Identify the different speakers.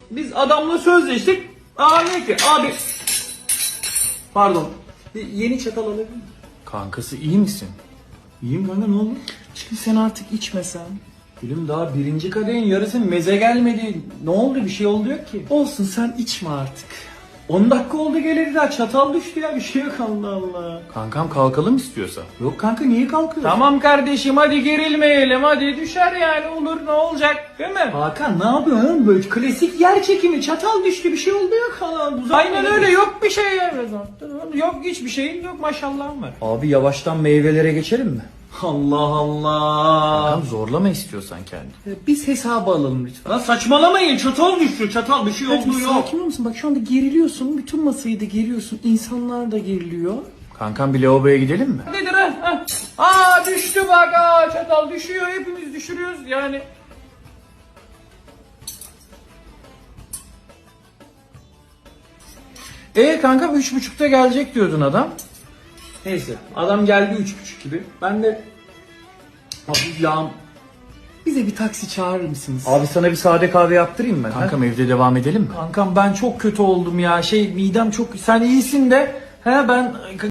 Speaker 1: Biz adamla sözleştik. Ne ki abi. Pardon. Yeni çatal alabilir miyim?
Speaker 2: Kankası iyi misin?
Speaker 1: İyiyim kanka, ne oldu?
Speaker 2: Şimdi sen artık içmesen.
Speaker 1: Gülüm daha birinci kadehin yarısı meze gelmedi. Ne oldu, bir şey oldu yok ki.
Speaker 2: Olsun, sen içme artık.
Speaker 1: 10 dakika oldu geleli daha, çatal düştü ya, bir şey yok, Allah Allah.
Speaker 2: Kankam kalkalım istiyorsa.
Speaker 1: Yok kanka, niye kalkıyorsun?
Speaker 3: Tamam kardeşim, hadi gerilmeyelim, hadi düşer yani, olur, ne olacak değil mi?
Speaker 1: Hakan ne yapıyorsun oğlum, böyle klasik yer çekimi, çatal düştü, bir şey oldu yok Allah.
Speaker 3: Aynen öyle, yok bir şey ya. Yok hiçbir şeyin yok, maşallahım var.
Speaker 2: Abi yavaştan meyvelere geçelim mi?
Speaker 1: Allah Allah.
Speaker 2: Kankam zorlama istiyorsan kendini.
Speaker 1: Biz hesabı alalım lütfen. Lan saçmalamayın, çatal düştü, çatal, bir şey
Speaker 2: Hadi
Speaker 1: oldu
Speaker 2: bir
Speaker 1: yok.
Speaker 2: sakin olur musun? Bak şu anda geriliyorsun. Bütün masayı da geriyorsun. İnsanlar da geriliyor. Kankam bir lavaboya gidelim mi?
Speaker 3: Nedir düştü bak, çatal düşüyor, hepimiz düşürüyoruz yani.
Speaker 2: Kanka 3.30'da gelecek diyordun adam.
Speaker 1: Neyse, adam geldi 3.30 gibi. Ben de hafif yağım.
Speaker 2: Bize bir taksi çağırır mısınız? Abi sana bir sade kahve yaptırayım mı? Kankam evde devam edelim mi?
Speaker 1: Kankam ben çok kötü oldum ya. Midem çok. Sen iyisin de. Ben